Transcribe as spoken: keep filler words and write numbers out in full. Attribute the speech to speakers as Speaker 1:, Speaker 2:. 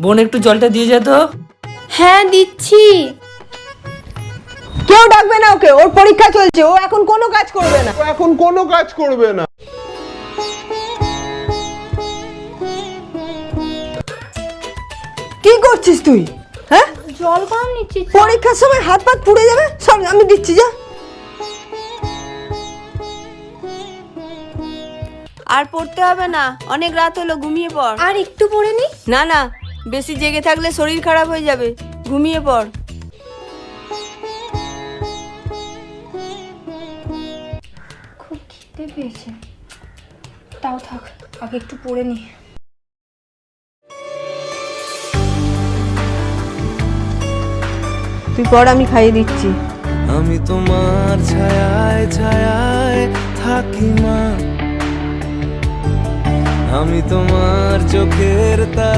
Speaker 1: বোন একটু জলটা দিয়ে যা তো।
Speaker 2: হ্যাঁ দিচ্ছি।
Speaker 3: কেউ ডাকবে না ওকে, ওর পরীক্ষা চলছে, ও এখন কোনো কাজ করবে না।
Speaker 4: ও এখন কোনো কাজ করবে না।
Speaker 3: কি করছিস তুই? হ্যাঁ,
Speaker 2: জল গরম নিচ্ছি।
Speaker 3: পরীক্ষার সময় হাত পাত পুড়ে যাবে। সব আমি দিচ্ছি, যা।
Speaker 5: আর পড়তে হবে না, অনেক রাত হলো, ঘুমিয়ে পড়।
Speaker 2: আর একটু পড়ে নি।
Speaker 5: না না, বেশি জেগে থাকলে শরীর খারাপ হয়ে যাবে, ঘুমিয়ে পড়।
Speaker 2: খুব খিদে পেয়েছে, তাও থাক, আগে একটু পড়ে নি।
Speaker 3: তুই পড়, আমি খাইয়ে দিচ্ছি।
Speaker 6: আমি তোমার ছায়ায় ছায়ায় থাকি মা, আমি তোমার চোখের তা